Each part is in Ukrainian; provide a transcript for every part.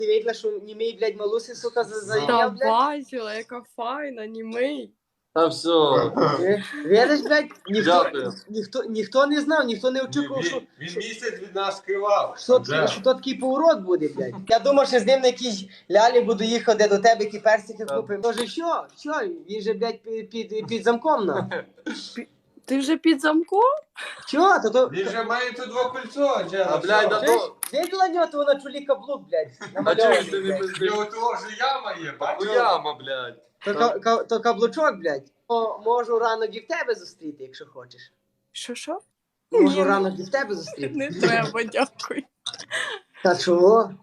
Ти видела, що німий, блядь, малуси, сука, Та зайняв, блядь? бачила, яка файна, німий. Та все. Видиш, блядь, Дякую. ніхто не знав, ніхто не очікував, що... Він місяць від нас скривав. Що то такий поворот буде, блядь. Я думав, що з ним на якісь лялі буду їхати до тебе, які персики купив. Тож що? Він же, блядь, під замком на. Ти вже під замком? Чого? Він же має тут два кольцо, Анджела. А, блядь, да то... Видела нього того на чолі каблук, блядь, А чого намальований, ти не блядь. пиздиш? Його того ж яма є, бачиш? Яма, блядь. То каблучок, блядь. Можу ранок і в тебе зустріти, якщо хочеш. Що? Можу Ні, ранок і в тебе зустріти. не треба, дякую. Та чого?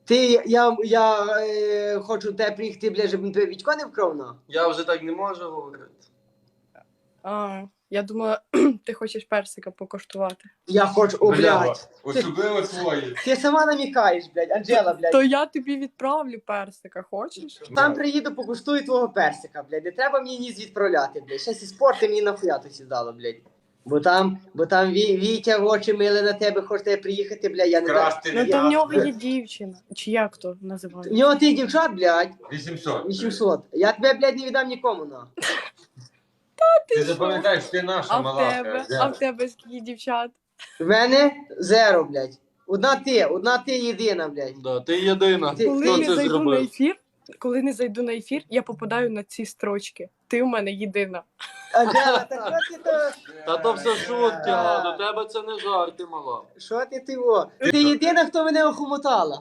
Я хочу до тебе приїхати, блядь, щоб тебе Вітько не вкрав, на. Я вже так не можу говорити. А, я думала, ти хочеш персика покуштувати. Я хочу, о, блядь. Особливо твої. Ти сама намікаєш, блядь, Анджела, блядь. То я тобі відправлю персика, хочеш? Там приїду, покуштую твого персика, блядь. Не треба мені ніс відправляти, блядь. Щас і спорти мені нахуя то сідало, блядь. Бо там Вітя в очі мили на тебе, хоче приїхати, блядь, я не дам. Красти Ну не то в нього дав. є дівчина. Чи як то В називається? нього ти дівчат, блядь, 800. 800. Я тебе, блядь, не віддам нікому, на. Ти запам'ятаєш, ти наша А в мала. тебе? А в тебе скільки дівчат? В мене зеро, блядь. Одна ти єдина, блядь. Да, ти єдина. Коли Хто не це зайду на зробив? ефір, коли не зайду на ефір, я попадаю на ці строчки. Ти у мене єдина. Анджела, так що ти то... Та то все шутки, а до тебе це не жарти, мала. Що ти во? Ти єдина, хто мене охомотала.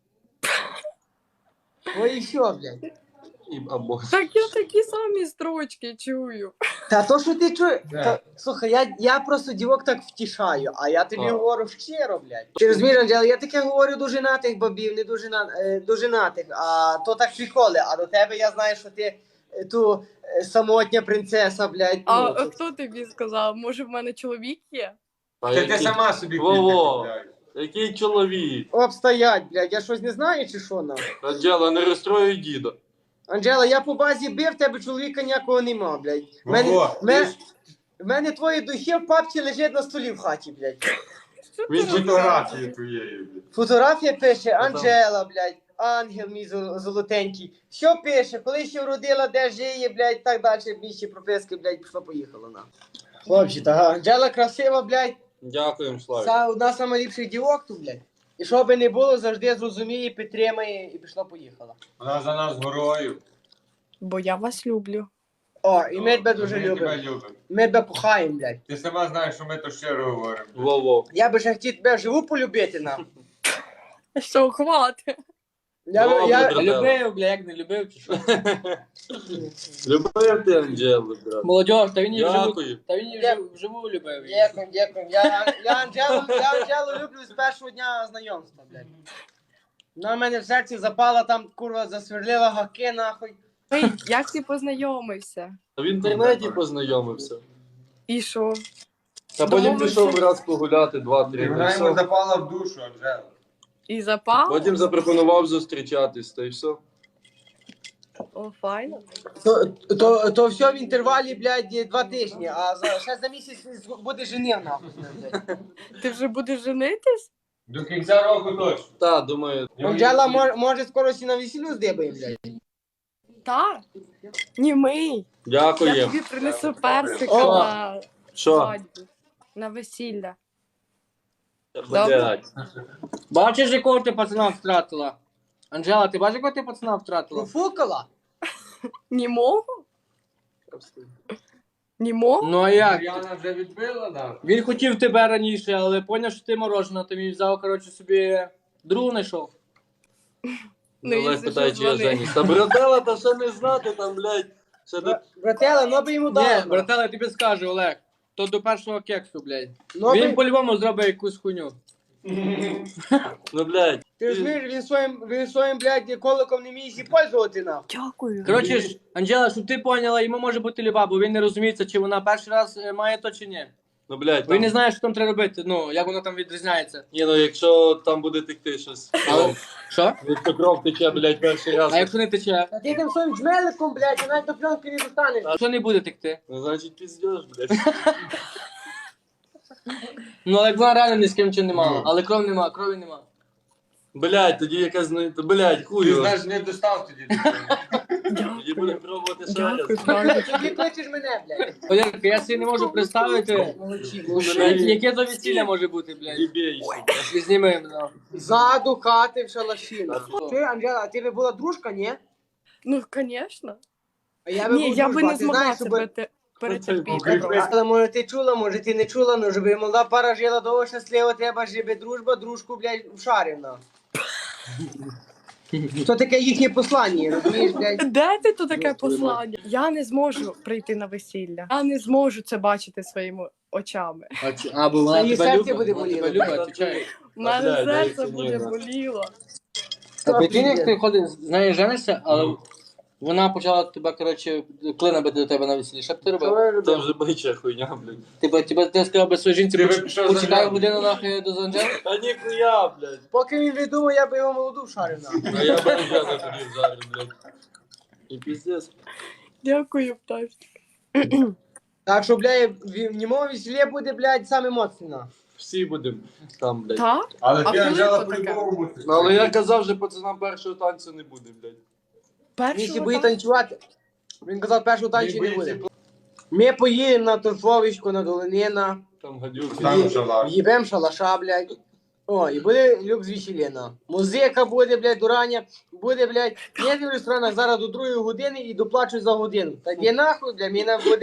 Ой, і що, блядь? Або... Так я такі самі строчки чую. Та то, що ти чуєш, Да. слухай, я просто дівок так втішаю, а я тобі А. говорю щиро, блядь. Ти розумієш, Анджела, я таке говорю до женатих бабів, не до женатих, а то так приколи, а до тебе я знаю, що ти ту самотня принцеса, блядь. А ну, хто тобі сказав? Може в мене чоловік є? Та Ти який- сама собі Во-во. купляєш. Який чоловік? обстоять, блядь, я щось не знаю чи що нам? Анджела, не розстроюй діда. Анджела, я по базі бив, тебе чоловіка ніякого нема, блядь. Во-во. В мене твої духи в папці лежать на столі в хаті, блядь. Він Фотографії твоєї. блядь. Фотографія пише Анджела, блядь, ангел мій золотенький. Що пише, коли ще вродила, де жиє, блядь, так далі, більше прописки, блядь, пішло-поїхало на. Хлопці, та Анджела красива, блядь, Дякуємо, Славі. одна з найліпших дівок тут, блядь. І що би не було, завжди зрозуміє, підтримає і пішло-поїхало. Вона за нас горою. Бо я вас люблю. О, і ми тебе дуже Ми тебе любимо. любимо. Ми тебе кохаємо, блядь. Ти сама знаєш, що ми то щиро говоримо. Во-во. Я би ще хотів тебе вживу полюбити, нам. Що, хвати? Добре, Я, брат. Любив, бля, як не любив, чи що? Любив ти Анджелу, брат. Молодіж, та він її вживу, Дякую. та він її вживу любив. Дякую. Я Анджелу люблю з першого дня знайомства, блядь. Вона в мене в серці запала, там, курва, засверлила гаки, нахуй. Ей, як ти познайомився? В інтернеті познайомився. І що? А потім Домовився. пішов раз погуляти 2-3 Вона йому дні. запала в душу, Анджела. І запав? Потім запропонував зустрічатись, та й все. О, файно. То все в інтервалі, блядь, 2 тижні, а ще за місяць буде женив, нахуй. блядь. Ти вже будеш женитись? До кінця року точно. Та, думаю, Анджела може скоро сі на весіллю здибаємо, блядь. Так. Німий. Я дякуємо. тобі принесу персика О. на Що? свадьбу. На весілля. Блядь. Бачиш, якого ти пацана втратила? Анджела, ти бачиш, якого ти пацана втратила? Профукала? Німого? Німого? Ну а як? Мар'яна вже відбила, да? Він хотів тебе раніше, але поняв, що ти морожена, то він взяв, коротше, собі другу знайшов. Ну, Олег якщо питає, що, чи я дзвони. женюсь. Та братела, та ще не знати там, блядь. Ще до... Братела, ну би йому Ні, дали. братела, я тобі скажу, Олег. То до першого кексу, блядь. Ну, Він би... по-любому зробить якусь хуйню. Ну, блядь. Ти розумієш, він своїм, блядь, коликом не вміє зі пользувати, нахуй. Дякую. Коротше ж, Анджела, щоб ти поняла, йому може бути люба, бо він не розуміється, чи вона перший раз має то, чи ні. Ну, блядь, Він не там... знає, що там треба робити, ну, як воно там відрізняється. Ні, ну, якщо там буде текти щось. Але... Що? Якщо кров тече, блядь, перший раз. А якщо не тече? А ти тим своїм джмеликом, блядь, ти навіть до пленки не достанеш. Що не буде текти? Ну, значить, піздєш, блядь. Ну, але як вона реально ні з ким нічого не мала, але кров нема, крові нема. Блядь, тоді якась, блядь, Ти хую. знаєш, не достав тоді. Тоді будемо пробувати ще раз. Дякую, правда. Тоді кличеш мене, блядь. Валерка, я собі не можу представити, яке то весілля може бути, блядь. Дібей, сука. Зніми, да. Ззаду хати в шалаші. Ти, Анжела, а ти би була дружка, ні? Ну, звісно. А я би Ні, був я би дружба. не Ти змогла знаєш, себе щоб... перетерпіти. Але може ти чула, може ти не чула, ну щоб молода пара жила довго щасливо, треба, щоб дружба дружку, блядь, вшарівна. Що таке їхнє послання, розумієш, блядь? Де ти тут таке послання? Я не зможу прийти на весілля. Я не зможу це бачити своїми очами. Бо вона Її тебе серце любить, буде вона тебе боліло. любить, отвечай. У мене Блядь, серце дайте буде ні, боліло. А прикинь, як ти ходиш, з нею женишся, але вона почала тебе, коротше, клина бити до тебе на весіллі. Що б ти робив? Це вже бича хуйня, блядь. Ти сказав би своїй жінці, Ти би пішов за почекай Анжелою. годину нахуй до Анжели? Та ніхуя, блядь. Поки він відумав, я би його молоду вшарив на. А я б вже тобі вжарю, блядь. І піздець. Дякую, пташки. Так що, блядь, в ньому весілля буде, блядь, саме моцно. Всі будемо там, блядь. Так? Але А ти, коли Анжела, то таке? по-любому будеш. Ну, але я казав, що пацанам першого танцю не буде, блядь. Він ще Першого буде так? танцювати. Він казав, першого танцю не боїться буде. Ми поїдемо на торфовичку, на Долинина, Там гадюки. Там шалаш. в'їбем шалаша, блядь. О, і буде люкс весілля. Музика буде, блядь, до рання. Буде, блядь, їду в ресторанах зараз до 2 години і доплачу за годину. Так є нахуй, блядь,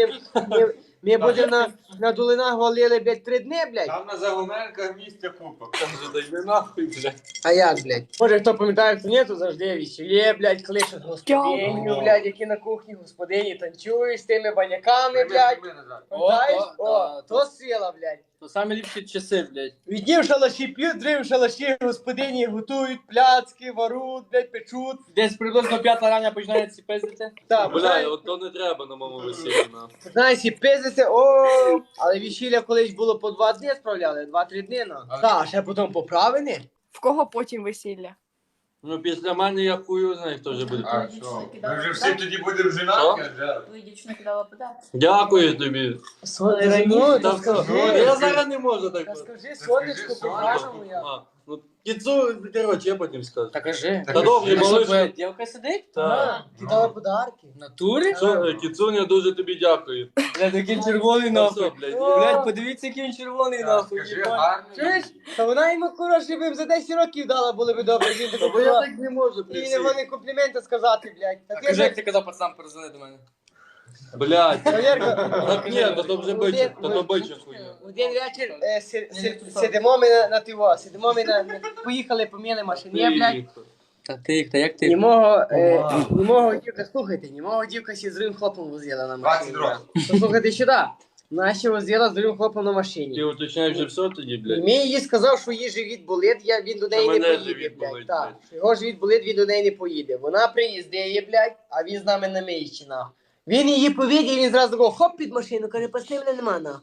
ми будемо на Долинах валили, блядь, 3 дні, блядь. Там на Загуменках місця купа. Там же дайме нахуй, блядь. А як, блядь? Може, хто пам'ятає, хто ні, то завжди весілля, блядь, кличуть господиню, Дякую. блядь, які на кухні господині танцюють з тими баняками, блядь. Пам'ятаєш? О, то сила, блядь. То самі ліпші часи, блядь. Відні в шалаші п'ють, дрив в шалаші, господині готують пляцки, варуть, блядь, печуть. Десь приблизно 5 рання починається пиздити. Так, Бля, от то не треба на моєму весіллі, на. знаєш, і пиздиться, о, але весілля колись було по 2 дні справляли, 2-3 дні, ну. Так, ще потім поправини. В кого потім весілля? Ну, після мене я хую знаю, хто вже буде. А що? Ми вже всі тоді будемо женаті, Анжела. Твоя дівчина кидала подарок. Дякую тобі. Раніше, Та та скажи, скажи. я зараз не можу так. Та скажи, сонечко, Скажи, по-вашому я. А, ну, кіцу, коротше, я потім скажу. Та кажи. Та добре, А що, малиш. твоя дівка сидить? Так. Ти дала подарки. В натурі? Що, Кіцуня, дуже тобі дякую. Блядь, який він червоний Ну, нахуй. все, блядь. Блядь, подивіться, який він червоний нахуй. Скажи, їбать. гарний. Чуєш? Та вона йому кураж, б за 10 років дала, було б добре. Він Та такий, бо я так не можу при і не всіх. вони компліменти сказати, блядь. Та А ти кажи, як ж... ти казав пацанам, перезвони до мене. Блядь. Валерка, Так ні, то вже бича, то бича хуйня. один вечір сидимо ми на тиво, сидимо ми поїхали, поміли машині, блядь. Та як ти? Німого дівка, слухайте, німого дівка ще з другим хлопом возила на 20 машині. років. Послухайте сюди. Вона ще возила з другим хлопом на машині. Ти уточняєш вже все тоді, І блядь? мені їй сказав, що її живіт болить, він до неї Що не мене поїде, живіт блядь. болить, Так, блядь. що його живіт болить, він до неї не поїде. Вона приїздить, блядь, а він з нами на Мийщинах. Він її повідів, він зразу такого, хоп під машину, каже, пасти мене нема на.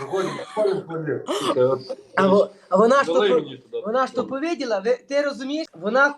А вона ж Дали то... мені туди. Вона ж то повіділа, ти розумієш? Вона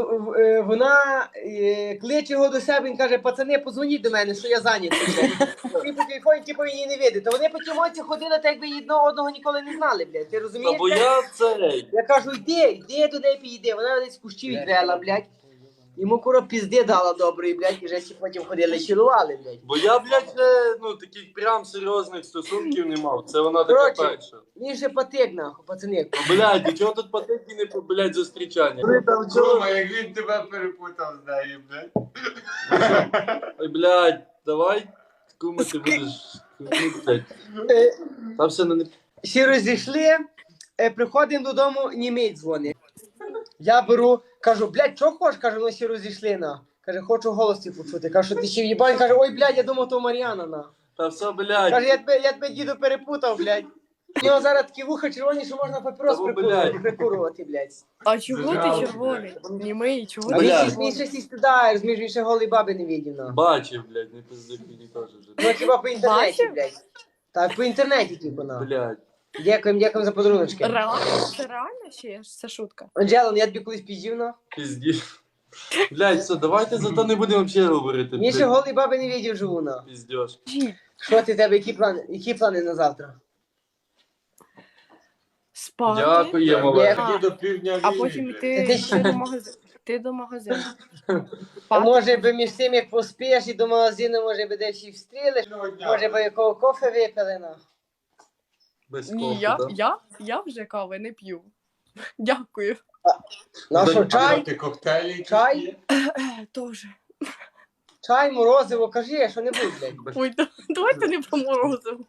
кличе його до себе, він каже, пацани, позвоніть до мене, що я зайнятий. І по телефоні, типу, її не видить. То вони по тімоці ходили, так якби одного ніколи не знали, блядь. Ти Та розумієш? бо блядь? я цей. Я кажу, йди до неї підійди. Вона десь кущі відвела, блядь. Йому куро пізди дала доброї, блядь, і вже всі потім ходили, чилували, блядь. Бо я, блядь, ну, таких прям серйозних стосунків не мав. Це вона така Коротше. перша. Він ще патик, нахуй, пацани. Ну, блядь, і чого тут патеки не, блядь, зустрічання? Чума, як він тебе перепутав з нею, блядь. Ой, блядь, давай, кума, ти будеш... Ну, блядь, Е, там все не... Всі розійшли, приходимо додому, німець дзвонить. Я беру, кажу, блядь, що хочеш? Кажу, ми всі розійшли, на. Каже, хочу голос твій почути. Кажу, що ти ще в'їбань? Каже, ой, блядь, я думав, то Мар'яна, на. Та все, блядь. Каже, я тебе діду перепутав, блядь. У нього зараз такі вуха червоні, що можна папірос Та, блядь. прикурувати, блядь. А чого Дуже ти жалко, червоний? Німий, чого А ти він червоний? ще стидає, розумієш, він ще голий баби не видів, на. Бачив, блядь, не пизди, не теж вже. Ну, хіба по інтернеті, Бачив? блядь. Так, по інтернеті, типу, на. Блядь. Дякуємо за подаруночки. Реально? Це реально чи це шутка? Анджела, я тобі колись піздів, на. Пізді. Блядь, все, давайте зато не будемо взагалі говорити. Він ще голий баби не видів живу, на. Піздєш. Що ти тебе, які плани на завтра? Спати. Дякуємо, Є. Олег. Тоді до півдня А війни, потім блядь. йти до магазину. Ти до магазину. А може би між тим, як поспієш і до магазину, може би десь і встрілиш, Одного дня. може би якого кофе випили, на. Без Ні, кофе, да? я вже кави не п'ю. Дякую. На що, А чай? ти коктейлі якісь Чай? є? Тоже. Чай, морозиво, кажи, що не будь, блядь. Ой, давайте не про морозиво.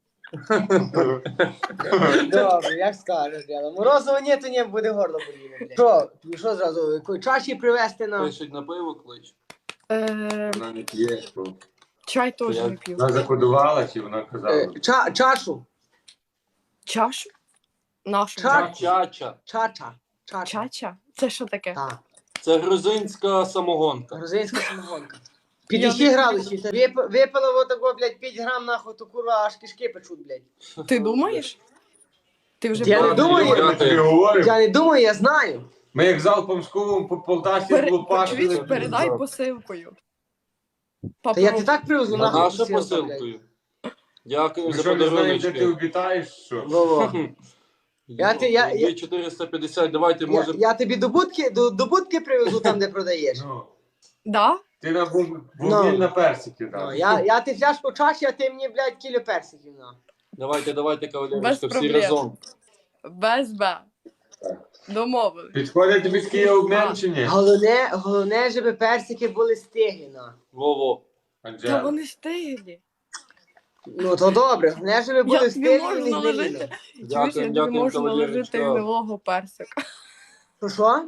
Добре, як скажеш, дядя. Морозиво ні, то ні, буде горло боліти, блядь. Що, що зразу, якої чаші привезти на... Пишуть на пиво клич. Вона не п'є. що? Чай теж Я- не п'ю. Вона закодувала чи вона казала? Чашу. Чашу? Нашу. Чача. Чача. Чача? Це що таке? Так, Це грузинська самогонка. грузинська самогонка. 50 градусів. Та випила вот такого, блядь, 5 грам, нахуй, то курва аж кишки печуть, блядь. Ти думаєш? Ти вже Я не пробував? думаю. Ми тобі говоримо. Я не думаю, я знаю. Ми як залпом з кувом по Полтаві Чуєш, злопашили. передай посилкою. Та я ти так привезу, А нахуй. нашу посилку, блядь. посилкою. Дякую Ми за що, не знаємо, де ти подаруночки. обітаєш, що? Во-во. Я- 450, давайте, може... Я тобі до будки привезу там, де продаєш. Ну, Да? ти на Ну. буміль на персики Ну, дав. я ти фляжку чаші, а ти мені, блядь, кілю персиків, на. Давайте, Без кавалерочка, всі проблем. разом. Без Б. Домовили. Підходить тобі такий обмін чи ні? Головне, щоб персики були стиглі, на. Во-во. Та Анджела. вони стиглі. Ну, то добре. Головне, щоб були Я тобі стиглі можу і не гнилі. наложити. Чуєш, я тобі Дякую, можу наложити кавалерочка. гнилого персика. Що?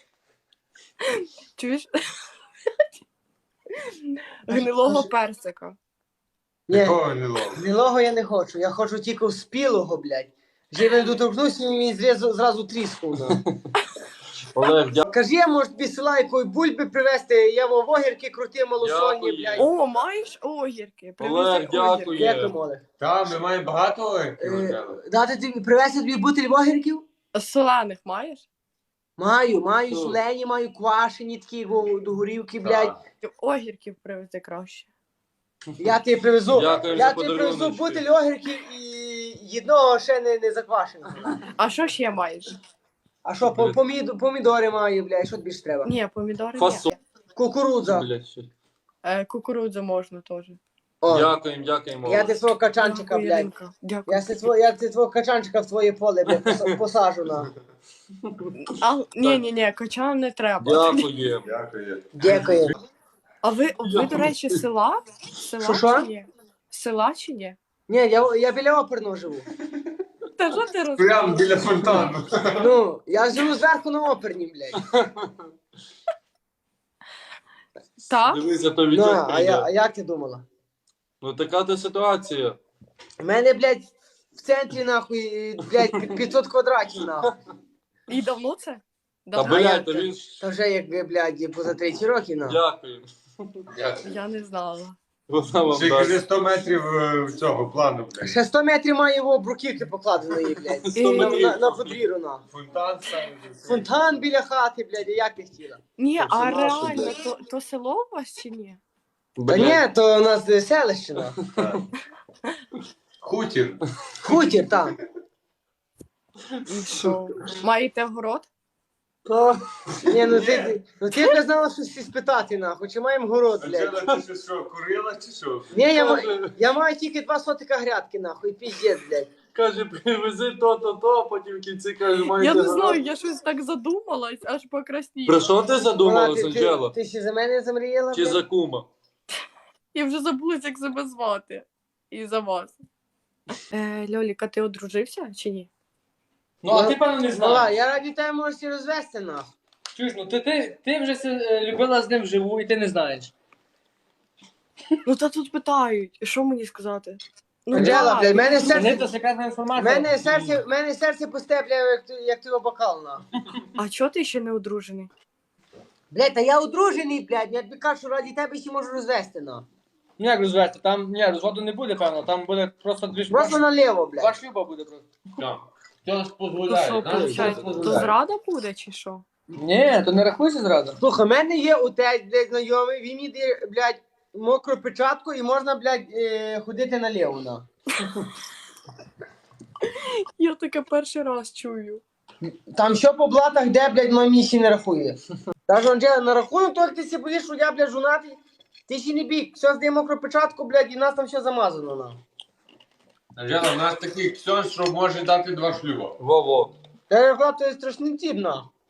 Чуєш? Гнилого персика. Ні, Якого не ловить? гнилого я не хочу. Я хочу тільки спілого, блядь. Живе доторкнуся, і він зразу тріснув, на. Олег, дякую. Кажи, я, може, тобі села якої бульби привезти, я в огірки крути малосольні, Дякую. блядь. О, маєш огірки? Привези Олег, дякую. огірки. Як ти, Олег? Та, ми маємо багато оливків, Анджела. Дати тобі, привезти тобі бутиль огірків? Солених маєш? Маю, Ну. солені, маю квашені такі до горівки, блядь. Так. Ти огірків привези краще. Я тобі привезу. Дякую Я за тобі привезу подаруночки. бутиль огірків і одного ще не заквашеного. А що ще маєш? А що, помідори маю, блядь, що тобі ж треба? Ні, помідори Фасоль. ні. Кукурудза. Блядь, що? Кукурудзу можна теж. О, Дякуємо. я ти свого качанчика, блядь. Іринка, Дякую. Я ти твого качанчика в твоє поле, блядь, посажу на. Ні, качан не треба. Дякую. Дякую. Дякую. А ви, до речі, села? Що? Села чи ні? Села чи ні? Ні, я біля оперного живу. Та що ти Прямо біля фонтану. Ну, я живу зверху на оперній, блядь. Так? Дивися, то Ну, відео а прийде. як ти думала? Ну така то ситуація. У мене, блядь, в центрі, нахуй, блядь, 500 квадратів, нахуй. І давно це? Та Давно? блядь, то він ж... Та вже як, блядь, поза 30 років, нахуй. Дякую. Я не знала. Вона вам Ще кажи дасть. 100 метрів цього плану, блядь. Ще 100 метрів має його бруківки покладеної, блядь. 100 метрів. На подвір'ю, нахуй. Фонтан ставить. Фонтан біля хати, блядь, як ти хотіла? Ні, Це а наше, реально, блядь. то село у вас чи ні? Та Блядь. ні, то у нас селище, нахуй. Так. Хутір. Хутір там. І що? Маєте город? Ні, ну ти б знала щось спитати, нахуй, чи маємо город, блядь. Анджела, ти що, курила чи що? Ні, я маю тільки 2 сотика грядки, нахуй, піздець, блядь. Каже, привези то, а потім в кінці каже, маєте... Я не гаразд. знаю, я щось так задумалась, аж покрасніла. Про що ти задумалась, Вона, Анджела? ти ще за мене замріяла, Чи блядь? за кума? Я вже забулась, як себе звати. І за вас. Льоліка, ти одружився чи ні? Ну, а ти, певно, не Мала, знаєш. я раді тебе можеш і розвести, нахуй. Чуєш, ну ти вже любила з ним вживу, і ти не знаєш. Ну, та тут питають, що мені сказати? Анджела, да. блядь, мене Це не то серце... секретна інформація. Мене серце постепляє, як ти бокал, нахуй. А чого ти ще не одружений? Блядь, та я одружений, блядь, я тобі кажу, що раді тебе ще можу розвести, нахуй. Ну як розвести? Там, ні, розводу не буде, певно, там буде просто дві Просто наліво, блядь. Два шлюба буде просто. Хто ж То дозволяє? що, знаєш, виходить, хто то дозволяє? зрада буде чи що? Ні, то не рахуйся зразу. Слухай, в мене є отець, блядь, знайомий, він мені дає, блядь, мокру печатку і можна, блядь, ходити наліво, нахуй. Я таке перший раз чую. Там що по блатах, де, блядь, мамі ще не рахує. Та ж, Анджела, на рахунок того, як ти себе боїш, що я, блядь, жонатий, ти ще не бік. Все, здаємо мокропечатку, блядь, і в нас там все замазано, на. Анжела, у нас такий ксьон, що може дати 2 шлюба. Во-во. Та я то є страшний тіп, на.